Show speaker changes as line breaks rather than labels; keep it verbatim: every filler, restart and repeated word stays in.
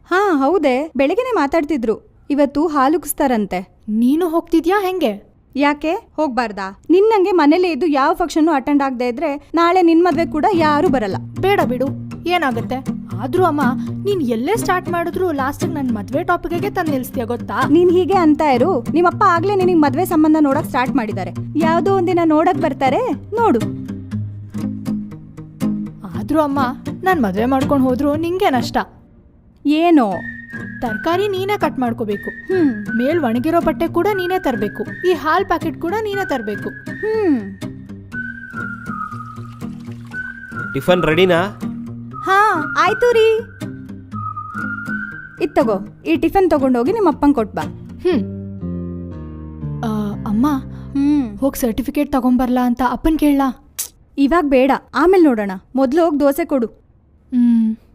ಹಾ ಹೌದೇ, ಬೆಳಗ್ಗೆನೆ ಮಾತಾಡ್ತಿದ್ರು. ಇವತ್ತು ಹಾಲುಗಿಸ್ತಾರಂತೆ.
ನೀನು ಹೋಗ್ತಿದ್ಯಾ ಹೆಂಗೆ?
ಯಾಕೆ ಹೋಗ್ಬಾರ್ದಾ? ನಿನ್ನಂಗೆ ಮನೇಲೇ ಇದ್ದು ಯಾವ ಫಂಕ್ಷನ್ ಅಟೆಂಡ್ ಆಗದೆ ಇದ್ರೆ ನಾಳೆ ನಿನ್ ಮದ್ವೆ ಕೂಡ ಯಾರು ಬರಲ್ಲ.
ಬೇಡ ಬಿಡು, ಏನಾಗುತ್ತೆ? ಆದ್ರೂ ಅಮ್ಮ, ನೀನ್ ಎಲ್ಲೇ ಸ್ಟಾರ್ಟ್ ಮಾಡಿದ್ರು ಲಾಸ್ಟಿಗೆ ನನ್ನ ಮದ್ವೆ ಟಾಪಿಕ್ಗೆ ತಂದು ನಿಲ್ಸ್ತೀಯ ಗೊತ್ತಾ?
ನೀನ್ ಹೀಗೆ ಅಂತ ಇರು. ನಿಮ್ಮಪ್ಪ ಆಗ್ಲೇ ನಿನಗೆ ಮದ್ವೆ ಸಂಬಂಧ ನೋಡಕ್ ಸ್ಟಾರ್ಟ್ ಮಾಡಿದ್ದಾರೆ. ಯಾವ್ದೋ ಒಂದಿನ ನೋಡಕ್ ಬರ್ತಾರೆ, ನೋಡು.
ಆದ್ರೂ ಅಮ್ಮ, ನಾನ್ ಮದ್ವೆ ಮಾಡ್ಕೊಂಡು ಹೋದ್ರು ನಿಂಗೆ ನಷ್ಟ.
ಏನೋ
ತರಕಾರಿ ನೀನೇ ಕಟ್ ಮಾಡ್ಕೋಬೇಕು,
ಹ್ಮ್
ಮೇಲ್ ಒಣಗಿರೋ ಬಟ್ಟೆ ಕೂಡ ನೀನೇ ತರಬೇಕು, ಈ ಹಾಲ್ ಪ್ಯಾಕೆಟ್ ಕೂಡ ನೀನೇ ತರಬೇಕು.
ಹ್ಮ್
ಟಿಫನ್ ರೆಡಿನಾ?
ಹಾ ಆಯ್ತು ರೀ. ಇದ್ ತಗೋ, ಈ ಟಿಫನ್ ತಗೊಂಡೋಗಿ ನಿಮ್ಮ ಅಪ್ಪಂಗೆ ಕೊಟ್ಬಾ.
ಹ್ಮ್ ಆ, ಅಮ್ಮ
ಹ್ಮ್
ಹೋಗಿ ಸರ್ಟಿಫಿಕೇಟ್ ತಗೊಂಬರ್ಲಾ ಅಂತ ಅಪ್ಪನ್ ಕೇಳಲಾ?
ಇವಾಗ ಬೇಡ, ಆಮೇಲೆ ನೋಡೋಣ. ಮೊದ್ಲು ಹೋಗಿ ದೋಸೆ ಕೊಡು.
ಹ್ಮ್